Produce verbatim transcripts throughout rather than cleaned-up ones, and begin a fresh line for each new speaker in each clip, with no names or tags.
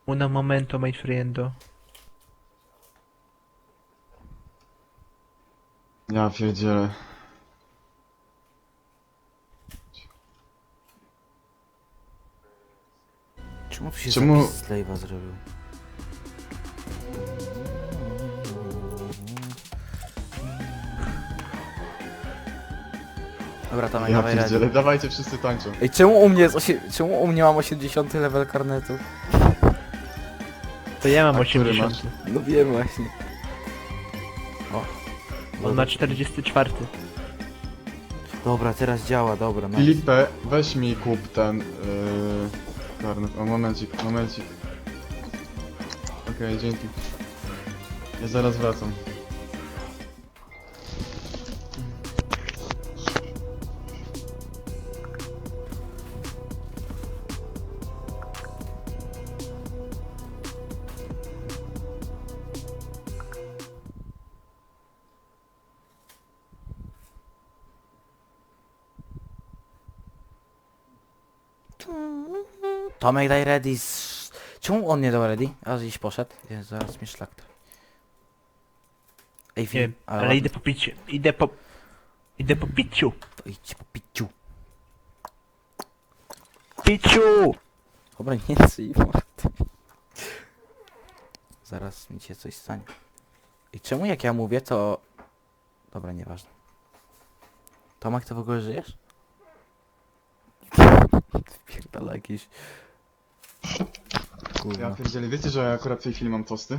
Una momento, my friendo.
Ja pierdzielę.
Czemu tu się
Czemu-
zapis slave'a zrobił? Dobra, tam
Ja
dawaj
pierdzielę,
radę.
dawajcie wszyscy tańczą.
Ej, czemu u mnie jest osie... czemu u mnie mam osiemdziesiąty level karnetu?
To ja mam
A który
osiemdziesiąt.
No wiem właśnie. O.
On ma czterdziesty czwarty.
Dobra, teraz działa, dobra, no.
Filipe, weź mi kup ten... Yy, karnet. O, momencik, momencik. Okej, dzięki. Ja zaraz wracam.
Tomek, daj ready z... Czemu on nie dał ready? A gdzieś poszedł? Jezu, zaraz mi szlak to. Ej,
Nie
film,
wiem, ale idę po picie. Idę po... Idę po piciu.
To idź po piciu.
Piciu!
Dobra, nie cyj, mordy. Zaraz mi się coś stanie. I czemu jak ja mówię, to... Dobra, nieważne. Tomek, ty w ogóle żyjesz? Pierdala jakieś...
Ja
Gówno.
pierdzielę, wiecie, że ja akurat w tej chwili mam tosty?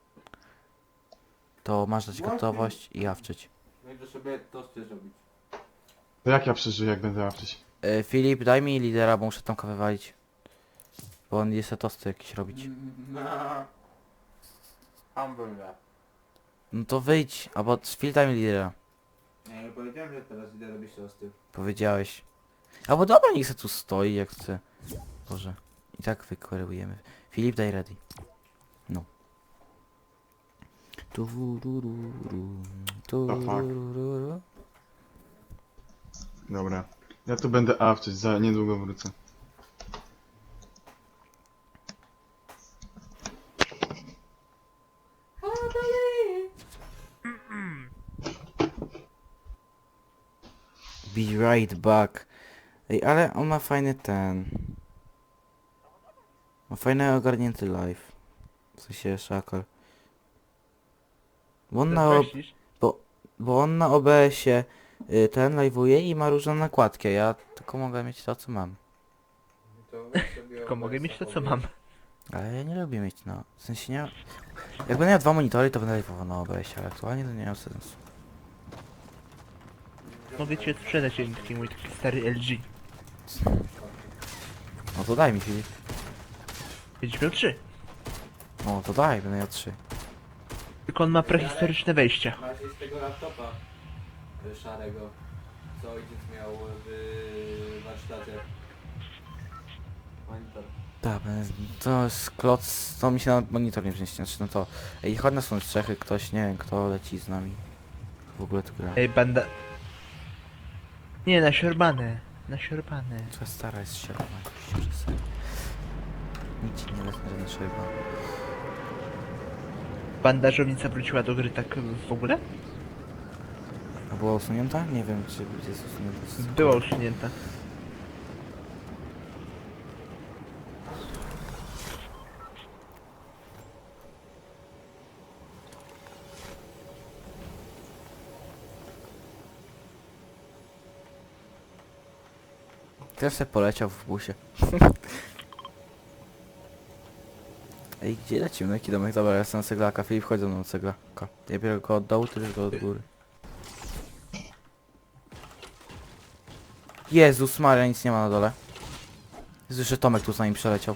To masz dać gotowość i jawczyć.
Będę sobie tosty zrobić.
To jak ja przeżyję, jak będę łapczyć?
E, Filip, daj mi lidera, bo muszę Tomka wywalić. Bo on jest tosty jakieś robić.
No. Hamburger.
No to wyjdź, albo Filip, daj mi lidera.
Ja nie powiedziałem, że teraz idę robić tosty.
Powiedziałeś. Albo dobra, niech se tu stoi jak chce. Boże. I tak wykwerujemy. Filip, daj ready. No. Turururu, turururu.
Dobra. Ja tu będę awczyć, za niedługo wrócę.
Be right back. Ej, ale on ma fajny ten. Ma fajny ogarnięty live. W sensie szakal. Bo on na, ob
Myślisz?
bo on na O B S-ie y, ten live'uje i ma różne nakładki, a ja tylko mogę mieć to co mam.
To weź sobie
Tylko mogę
O B S-a
mieć to co
pobierz.
mam.
Ale ja nie lubię mieć no. W sensie nie. Jak będę miał dwa monitory, to będę live'ował na O B S-ie, ale aktualnie to nie ma sensu.
Mogę cię sprzedać taki mój taki stary L G.
No to daj mi Filip.
Będziesz miał trzy.
No to daj, będę miał trzy.
Tylko on ma prehistoryczne wejścia.
Masz z tego laptopa y, szarego, co ojciec miał w warsztacie. Monitor.
Tak, będę- to jest kloc, to mi się na monitor nie wniesie, znaczy no to... Ej, chodź na są strzechy, ktoś, nie wiem kto leci z nami. W ogóle tu gra.
Ej, banda... Nie, na siorbane. Na siorbane.
Twoja stara jest sierpa, jakoś przez sen. Nic ci nie wezmę, żadne sierpa.
Bandażownica wróciła do gry tak w ogóle?
A była usunięta? Nie wiem, czy jest usunięta.
Była usunięta.
Też se poleciał w busie. Ej, gdzie lecimy? Na jaki domek? Dobra, ja jestem na ceglaka. Filip, chodź ze mną na ceglaka. Ja biorę go od dołu, ty bierz go od góry. Jezus Maria, nic nie ma na dole. Jezu, jeszcze Tomek tu z nami przeleciał.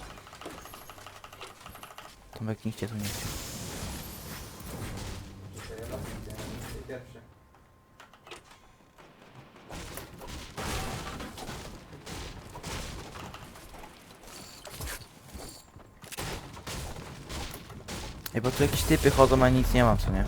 Tomek nigdzie tu nie chciał.
Pierwszy.
Ej, bo tu jakieś typy chodzą, a nic nie ma, co nie?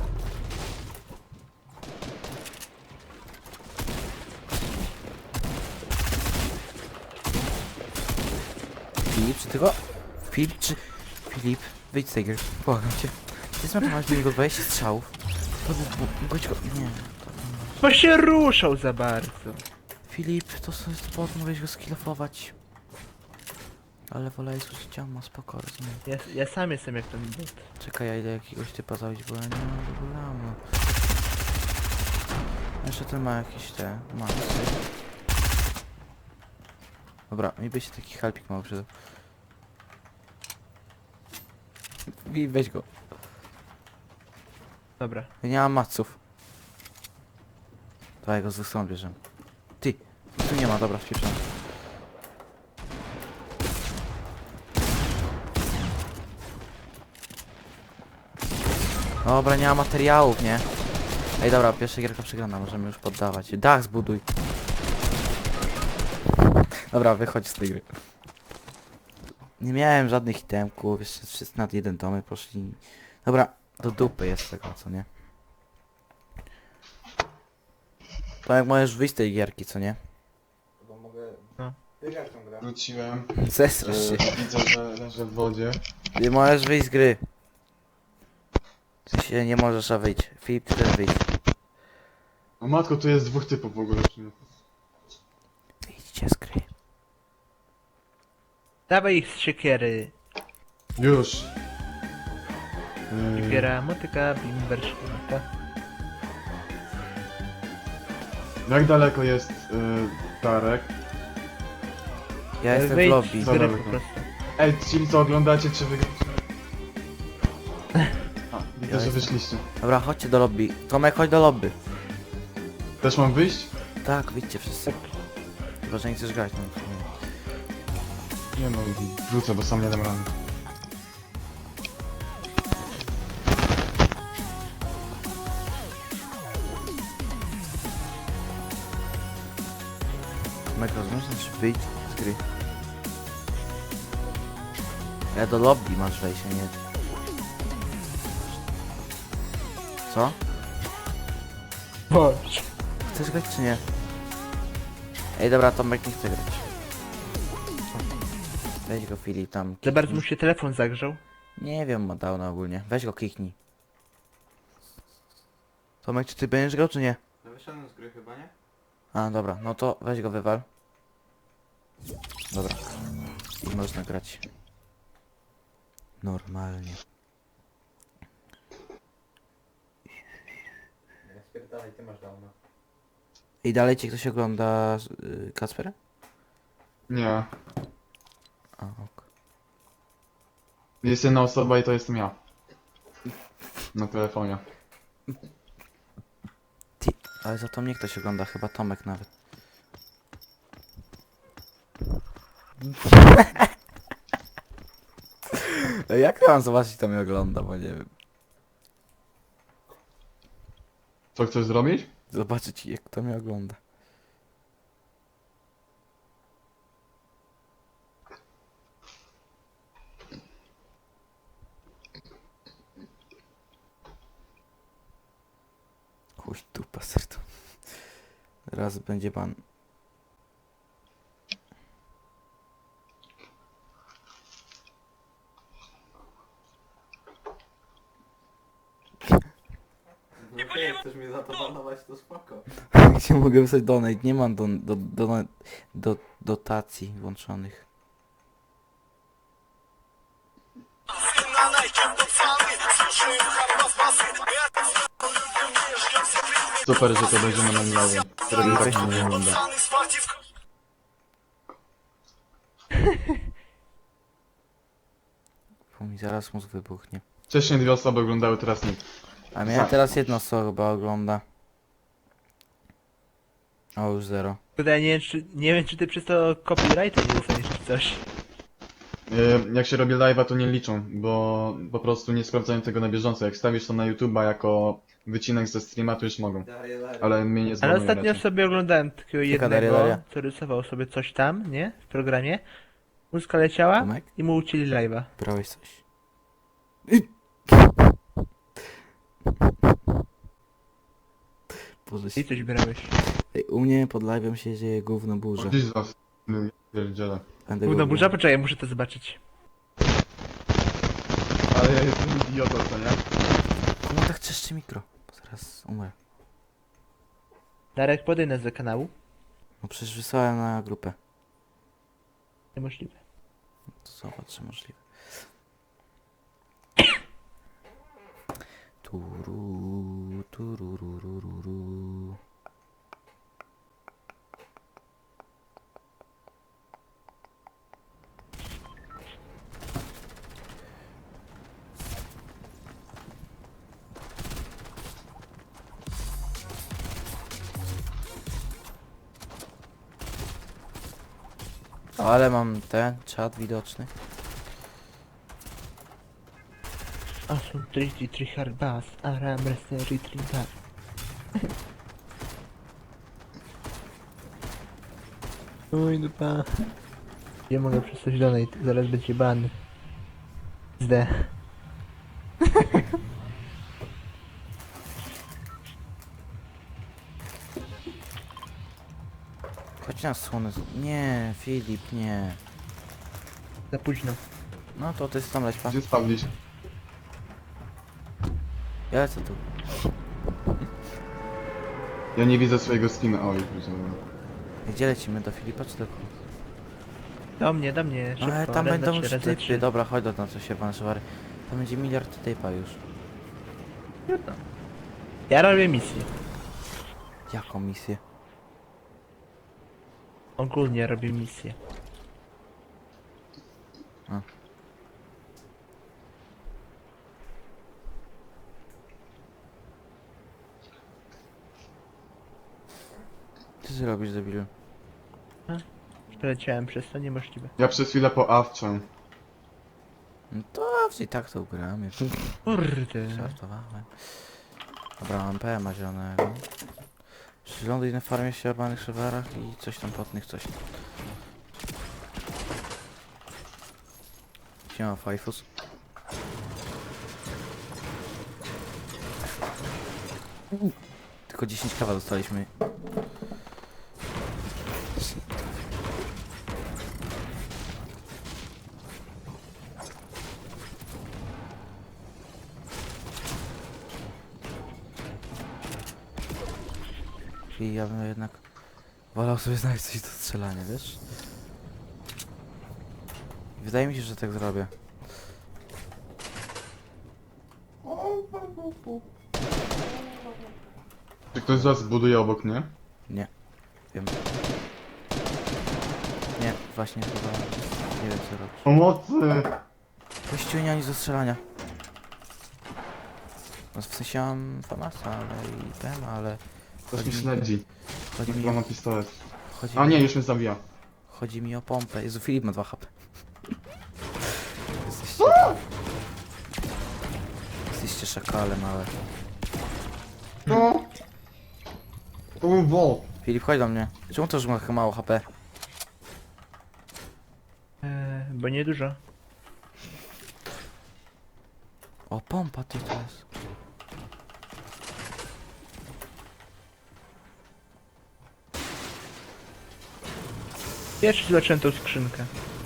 Filip, czy ty go... Filip, czy... Filip, wyjdź z tej gry, błagam cię. Ty zmarnowałeś do niego dwadzieścia strzałów. To był... Bądź go... Nie.
Bo się ruszał za bardzo.
Filip, to jest bot, mogłeś go skillofować. Ale wolę usłyszeć ma spoko, rozumiem.
Ja, ja sam jestem jak ten bot.
Czekaj, ja idę jakiegoś typa zabić, bo ja nie mam w ogóle ammo. Jeszcze ten ma jakieś te... ma. Dobra, mi by się taki halpik mało przydał. I weź go.
Dobra.
Ja nie mam maców. Dawaj go z dwóch stron bierzemy. Ty, tu nie ma, dobra, wpieprzamy. Dobra, nie ma materiałów, nie? Ej, dobra, pierwsza gierka przegrana, możemy już poddawać. Dach zbuduj. Dobra, wychodź z tej gry. Nie miałem żadnych itemków, jeszcze wszyscy nad jeden domy poszli. Dobra, do dupy jest tego, co nie? To jak możesz wyjść z tej gierki, co nie?
Bo mogę...
No.
Wygrać tą grę.
Wróciłem.
Zesrasz się.
E, widzę, że leżę w wodzie.
Nie możesz wyjść z gry. Ty się nie możesz, a wyjść. Filip, ty też wyjdź.
O matko, tu jest dwóch typów w ogóle.
Wyjdźcie z gry.
Dawaj ich z siekiery.
Już. E,
Siekiera, motyka, bimber, szklanka.
jak daleko jest e, Darek?
Ja jestem w
Wyjdź
lobby.
z gry
Daleko.
po prostu.
Ej, ci co oglądacie, czy wygracie? A, widzę,
Ja
że
jestem.
wyszliście.
Dobra, chodźcie do lobby. Tomek, chodź do lobby.
Też mam wyjść?
Tak, wyjdźcie wszyscy. Chyba, że nie chcesz grać. No, nie.
Nie no, wrócę, bo sam nie dam rady.
Tomek, rozumiesz, znaczy wyjdź z gry. Ja do lobby masz wejść, a nie... Co?
Boże.
Chcesz grać czy nie? Ej, dobra, Tomek nie chce grać. Weź go, Filip, tam.
Za bardzo
kiknij.
mu się telefon zagrzał.
Nie wiem, ma dał na ogólnie. Weź go, kiknij. Tomek, czy ty będziesz grał, czy nie?
No wyszedłem z gry chyba, nie?
A, dobra, no to weź go, wywal. Dobra. I można grać. Normalnie.
Ja spierdalaj, ty masz downa.
I dalej cię ktoś ogląda yy, Kacpera?
Nie.
A, ok.
Jest jedna osoba i to jestem ja. Na telefonie.
Ty, ale za to mnie ktoś ogląda, chyba Tomek nawet. Jak ja mam zobaczyć, kto mnie ogląda, bo nie wiem.
Co chcesz zrobić?
Zobaczyć, jak kto mnie ogląda. Chuj, dupa serdu. Raz będzie pan.
No okej, jak chcesz mnie za to banować, to spoko.
Gdzie mogę wysłać donate? Nie mam do, do, do, do, dotacji włączonych.
Super, że to będziemy na live. Który mi tak nie wygląda.
Bo mi zaraz mózg wybuchnie.
Wcześniej dwie osoby oglądały, teraz nikt.
A mnie teraz jedna osoba chyba ogląda. O, już zero.
Tutaj nie wiem, czy, nie wiem, czy ty przez to copyrighta nie dostaniesz czy coś.
Yy, jak się robi live'a, to nie liczą, bo po prostu nie sprawdzają tego na bieżąco. Jak stawisz to na YouTube'a jako wycinek ze streama, to już mogą.
Daję lary.
Ale mnie nie
Ale
zbanują
ostatnio
raczej.
sobie oglądałem takiego
Daria, Daria.
jednego, co rysował sobie coś tam, nie? W programie. Muzyka leciała
Tomek?
i mu ucięli live'a.
Brałeś coś? Boże
I
się...
coś brałeś.
Ej, u mnie pod live'em się dzieje gówno burza.
Gdzieś z was. Pierdziele.
Będę
Gówno
go
burza? Poczekaj, muszę to zobaczyć.
ale ja jestem idiotą, co nie?
Komu tak trzeszczy mikro? Bo zaraz umrę.
Darek, podaj nas do kanału.
No przecież wysłałem na grupę.
Niemożliwe.
To zobacz, czy możliwe. Turu, turururururu. Ale mam ten czat widoczny.
Awesome triki trichard bass. Aram restery trichard. Oj dupa. Ja mogę przestać donate, zaraz będzie ban. Zde.
Chodź na słonę. z- Nie, Filip, nie.
Za późno.
No to ty tam leć pan.
Gdzie spawnić?
Ja lecę tu.
Ja nie widzę swojego skina. Oj, widziałem.
Gdzie lecimy? Do Filipa czy do kogo?
Do mnie, do mnie.
No, ale
Szybko,
tam
raz,
będą
dwa,
już
trzy, raz, dwa,
typy.
trzy.
Dobra, chodź do nas, co się pan szwary. Tam będzie miliard typa już.
Trudno. Ja robię misję.
Jaką misję?
Ogólnie robię misję.
A. Co ty robisz, debilu?
Przeleciałem przez to, niemożliwe.
Ja przez chwilę poawczę.
No to i tak to ugramy.
Kurde.
Żartowałem. Dobra, mam P M a zielonego. Przyląduj na farmie ścierbanych szewerach i coś tam potnych, coś tam. Siema, Fajfus. Tylko dziesięć kawa dostaliśmy. I ja bym jednak wolał sobie znaleźć coś do strzelania, wiesz? Wydaje mi się, że tak zrobię.
Czy ktoś z was buduje obok mnie?
Nie. Wiem. Nie, właśnie chyba nie wiem co robić.
Pomocy!
Właściwie nie ma nic do strzelania. No w sensie mam famasa, ale i ten, ale
Ktoś
Chodzi
mi
mi-
śledzi.
chodzi mi,
Chyba ma pistolet.
chodzi
A
mi,
nie, już mnie zabija.
chodzi mi o pompę. Jezu, Filip ma dwa H P. Jesteście... Jesteście szakalem, ale...
No! To był wol.
Filip, chodź do mnie. Czemu to, że ma chyba mało H P?
Eee, bo nie dużo.
O, pompa ty to jest.
Pierwszy zobaczyłem tą skrzynkę.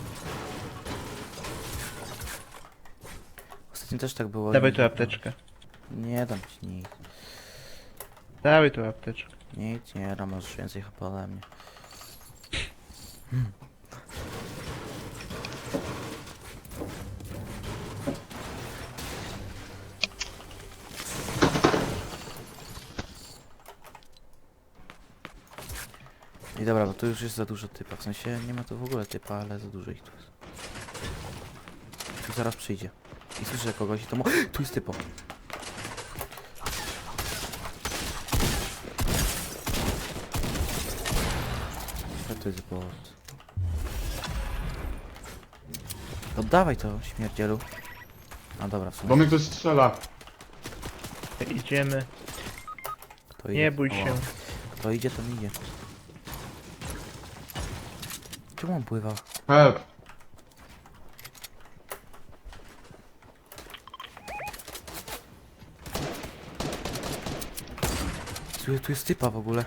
Ostatnio też tak było.
Dawaj
i-
tu apteczkę.
Nie dam ci nic.
Dawaj tu apteczkę.
Nic nie dam, masz więcej H P ode mnie. I dobra, bo tu już jest za dużo typa. W sensie nie ma tu w ogóle typa, ale za dużo ich tu jest. Tu zaraz przyjdzie. I słyszę kogoś i to mu... Tu jest typo. Co to jest bot? Oddawaj to, śmierdzielu. A dobra, w
Bo
sumie.
mnie ktoś strzela.
Idziemy.
Kto idzie?
Nie bój
O,
się.
Kto idzie, to idzie. Czemu on pływał?
Help!
Tu, tu jest typa w ogóle.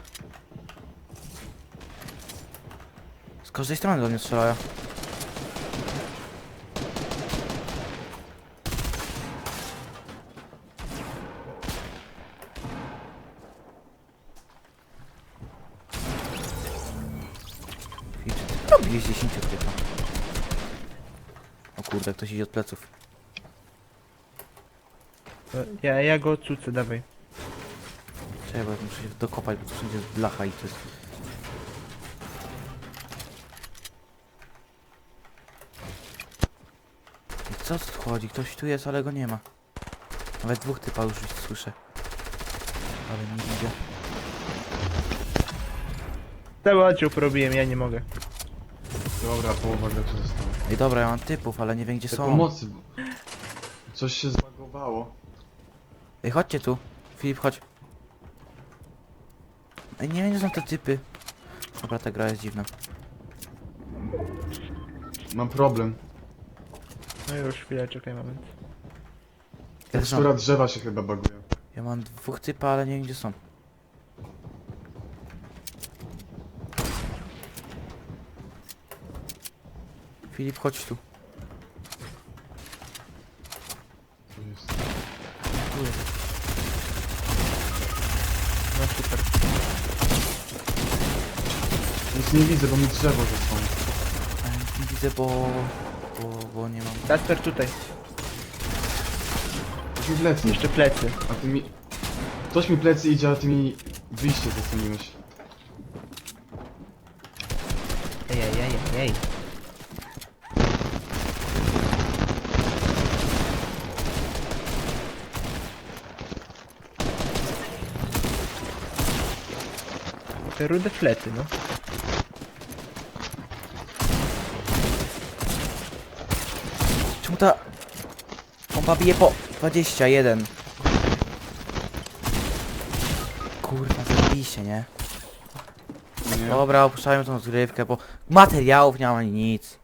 Z każdej strony do mnie strzelają. Jest dziesięć typa. O kurde, ktoś idzie od pleców.
To Ja, ja go odcucę, dawaj.
Czekaj, bo ja muszę się dokopać, bo tu wszędzie jest blacha i to jest... I co tu chodzi? Ktoś tu jest, ale go nie ma. Nawet dwóch typa już słyszę. Ale nie widzę.
Cały oddział porobiłem, ja nie mogę.
Dobra, połowa graczy została.
Ej dobra, ja mam typów, ale nie wiem gdzie
Te
są.
pomocy, bo... Coś się zbagowało.
Ej, chodźcie tu. Filip, chodź. Ej, nie wiem gdzie są te typy. Dobra, ta gra jest dziwna.
Mam problem.
No już, chwilę, czekaj moment.
Ja, też
Tekstura
mam,
drzewa się chyba baguje.
ja mam dwóch typa, ale nie wiem gdzie są. Filip, chodź tu.
Tu jest.
Tu jest.
No super.
Nic nie widzę, bo mi drzewo zasłoni.
Ale nic nie widzę, bo... Bo, bo nie mam...
Kasper tutaj,
Ktoś mi plecy.
jeszcze plecy.
A ty mi... Ktoś mi plecy idzie, a ty mi wyjście zasłoniłeś.
Ej, ej, ej, ej, ej. Te rude flety, no.
Czemu ta... Pompa bije po dwadzieścia jeden. Kurwa, zajebiście, nie?
Nie.
Dobra, opuszczajmy tą zgrywkę, bo materiałów nie mam ani nic.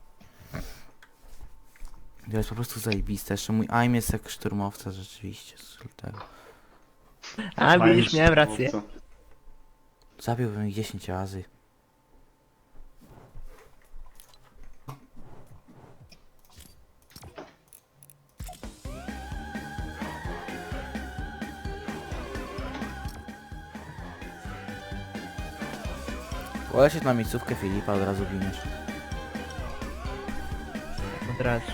To jest po prostu zajebiste. Jeszcze mój aim jest jak szturmowca, rzeczywiście. z tego.
A,
Fajnie,
widzisz, miałem rację.
co?
Zabiłbym ich dziesięć razy. Polecieć na miejscówkę Filipa, od razu giniesz.
Od razu.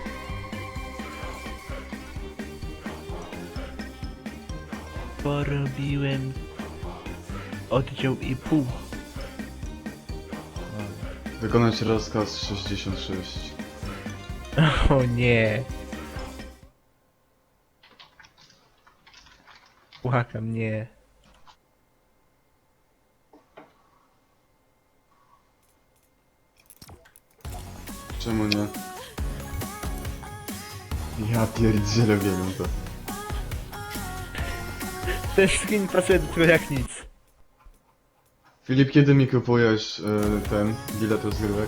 Porobiłem oddział i pół.
Wykonać rozkaz sześćdziesiąt sześć.
O nie. Płakam, nie.
Czemu nie? Ja pierdzielę, wiem to.
Ten skin pasuje do tego jak nic.
Filip, kiedy mi kupujesz y, ten bilet rozgrywek?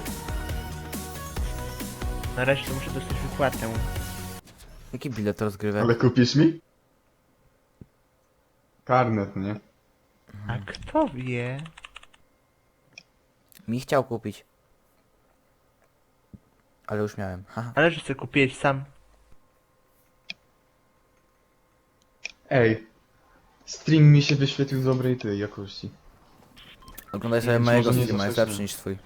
Na razie to muszę dostać wypłatę.
Jaki bilet rozgrywek?
Ale kupisz mi? Karnet, nie?
A kto wie?
Mi chciał kupić. Ale już miałem. Haha.
Ale że chcę kupić sam.
Ej. Stream mi się wyświetlił w dobrej tej jakości.
Oglądaj
Nie
sobie
wiem, czy
mojego
może nie
streama, jest
zacząć,
lepszy
nie?
niż twój.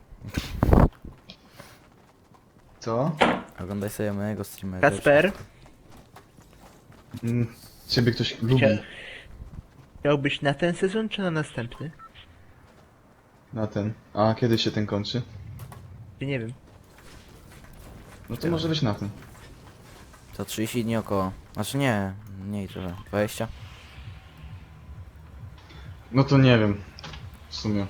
Co?
Oglądaj sobie mojego streama. jest
Kasper?
lepszy.
Mm, ciebie ktoś lubi.
Chcia... Chciałbyś na ten sezon czy na następny?
Na ten. A kiedy się ten kończy?
Ja nie wiem.
No to może być na ten.
To trzydzieści dni około. Znaczy nie, mniej trochę. dwadzieścia.
No to nie wiem. W sumie.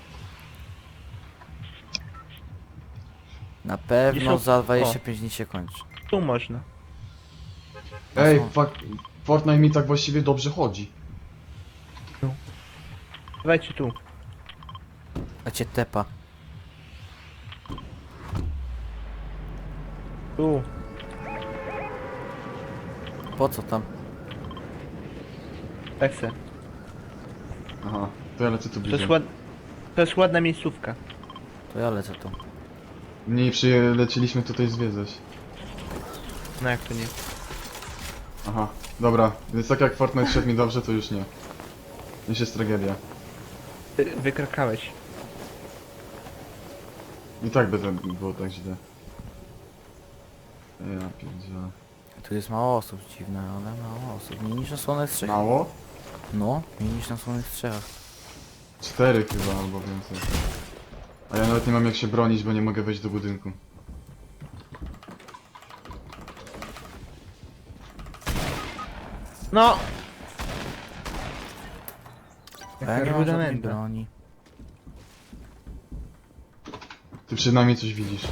Na pewno
Wiesz, o-
za dwadzieścia pięć dni się kończy.
Tu można.
Ej,
co?
fuck. Fortnite mi tak właściwie dobrze chodzi.
Dawajcie tu.
A cię tepa.
Tu.
Po co tam?
Tak se.
Aha. To ja lecę tu
To
bliżej.
jest, ład... to jest ładna miejscówka.
To ja lecę tu.
Nie przyleciliśmy tutaj zwiedzać.
No jak to nie?
Aha. Dobra. Więc tak jak Fortnite szedł mi dobrze, to już nie. Już jest tragedia.
Ty wykrakałeś.
I tak by to było tak źle. Ja pierdzielę.
Tu jest mało osób, dziwne, ale mało osób. Mniej niż na słonych strzechach.
Mało?
No, mniej niż na słonych strzechach.
Cztery chyba, albo więcej. A ja nawet nie mam jak się bronić, bo nie mogę wejść do budynku.
No!
A ja
Jaka
nie mam żadnej
rudimenta.
broni.
Ty przynajmniej coś widzisz.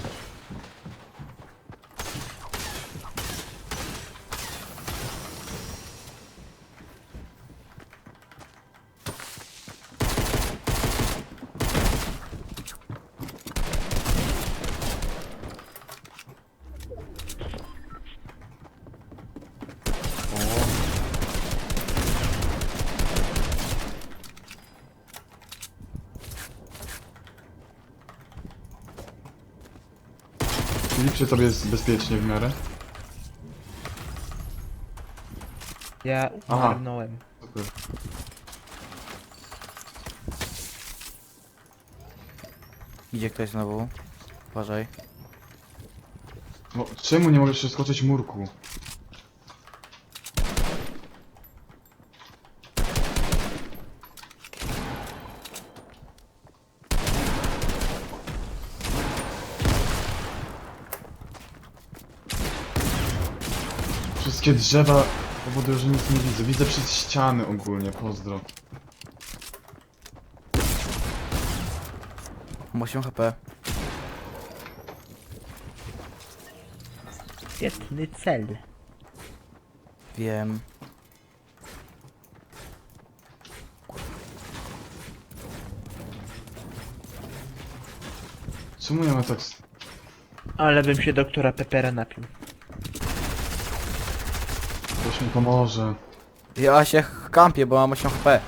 Filip, czy tobie jest bezpiecznie w miarę?
Ja
Aha.
umarnąłem.
Super.
Idzie ktoś znowu. Uważaj.
No, czemu nie możesz przeskoczyć murku? Wszystkie drzewa powodują, że nic nie widzę. Widzę przez ściany ogólnie, pozdro.
Mam osiem H P.
Świetny cel.
Wiem.
Czemu ja mam tak... s-
Ale bym się doktora Pepera napił.
Ktoś mi pomoże.
Ja się kampię, bo mam osiem H P.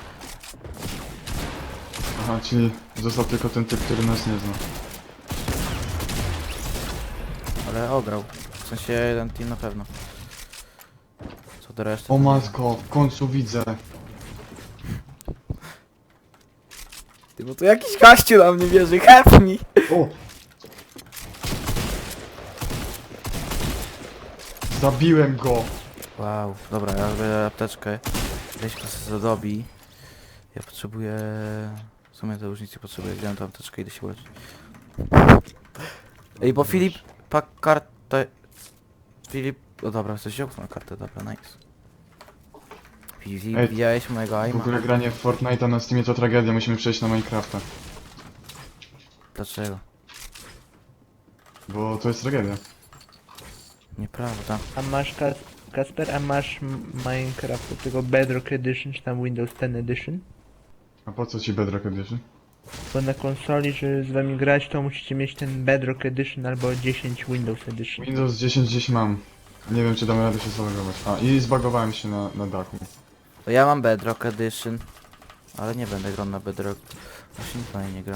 Aha, czyli został tylko ten typ, który nas nie zna.
Ale ograł. W sensie jeden team na pewno. Co do reszty?
O
to nie
matko, w końcu widzę.
Ty, bo tu jakiś gościu na mnie wierzy, help me!
O! Zabiłem go!
Wow, dobra, ja robię apteczkę. Weź go sobie zadobi. Ja potrzebuję... W sumie to już nic nie potrzebuję, wziąłem tą apteczkę i idę się leczyć. Ej, bo Filip... Pa kartę... Filip... O dobra, coś wziął swoją kartę, dobra, nice. Filip,
Ej,
widziałeś mojego
W
aima?
ogóle granie w Fortnite'a na Steamie to tragedia, musimy przejść na Minecrafta.
Dlaczego?
Bo to jest tragedia.
Nieprawda.
A masz Kas Kasper, a masz m- Minecraft do tego Bedrock Edition, czy tam Windows ten Edition?
A po co ci Bedrock Edition?
Bo na konsoli, żeby z wami grać, to musicie mieć ten Bedrock Edition albo dziesięć Windows Edition.
Windows dziesięć gdzieś mam. Nie wiem czy damy radę się zalogować. A, i zbagowałem się na, na dachu.
To ja mam Bedrock Edition. Ale nie będę grał na Bedrock. Właśnie nikt na niej nie gra.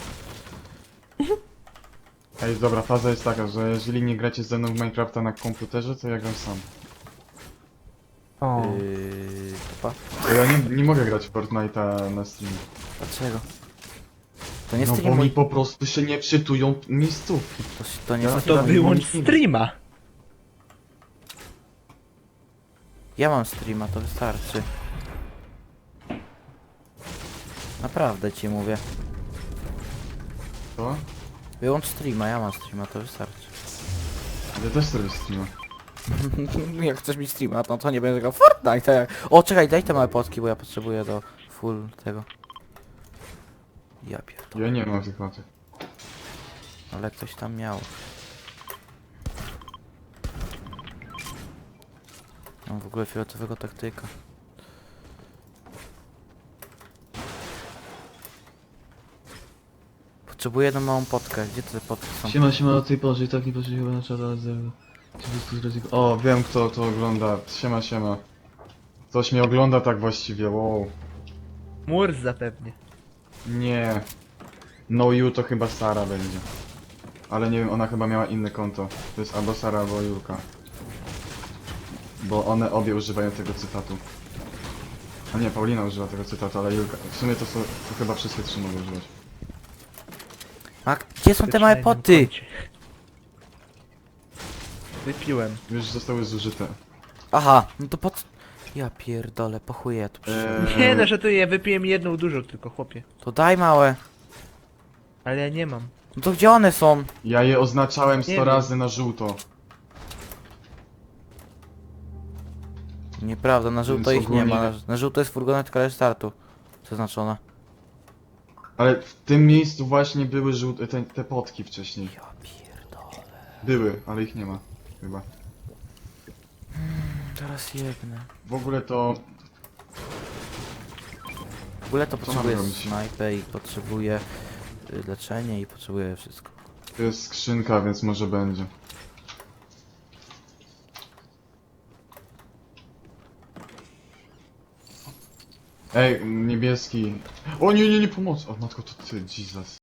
Ej, dobra, faza jest taka, że jeżeli nie gracie ze mną w Minecrafta na komputerze, to ja gram sam.
O,
Yy... Topa?
Bo ja nie, nie mogę grać w Fortnite'a na Steamie.
Dlaczego? To nie
No
stream
bo
mój...
mi po prostu się nie wczytują miejscówki.
To, to nie
Ja
stream
to
tam
mój...
wyłącz
nic nie
streama!
Ja mam streama, to wystarczy. Naprawdę ci mówię.
Co?
Wyłącz streama, ja mam streama, to wystarczy.
Ja też sobie streama.
Jak chcesz mieć streama, no to nie będę grał w Fortnite. Jak... O, czekaj, daj te małe potki, bo ja potrzebuję do full tego. Ja pierdolę,
Ja nie mam tych matek.
ale ktoś tam miał. Mam w ogóle fioletowego taktyka. Potrzebuję jedną małą potkę. Gdzie te potki są?
Siema, siema, o tej porze i tak nie patrzę chyba na czat, ale zero. O, wiem kto to ogląda. Siema, siema. Ktoś mnie ogląda tak właściwie, wow.
Murs zapewnie.
Nie. No you to chyba Sara będzie. Ale nie wiem, ona chyba miała inne konto. To jest albo Sara, albo Julka. Bo one obie używają tego cytatu. A nie, Paulina używa tego cytatu, ale Julka. W sumie to, są, to chyba wszystkie trzy mogą używać.
Mak Gdzie są te małe
Wyprzedaj nam
poty?
koncie. Wypiłem.
Już zostały zużyte.
Aha, no to po co? Ja pierdolę, po chuj ja tu przyszedłem.
Eee,
Nie no, że tu ja wypiłem jedną dużo tylko, chłopie.
To daj małe.
Ale ja nie mam.
No to gdzie one są?
Ja je oznaczałem sto
wiem.
razy na żółto.
Nieprawda, na żółto
Więc
ich nie ma.
ogólnie-
Na, na żółto jest furgonetka restartu. Zaznaczona.
Ale w tym miejscu właśnie były żółte, te, te potki wcześniej.
Ja pierdolę.
Były, ale ich nie ma. Chyba.
Teraz jedne.
W ogóle to...
W ogóle to
Co
potrzebuję
mam robić?
snajpę i potrzebuję y, leczenie i potrzebuję wszystko.
To jest skrzynka, więc może będzie. Ej, niebieski. O nie, nie, nie, pomoc! O matko, to ty, Jesus.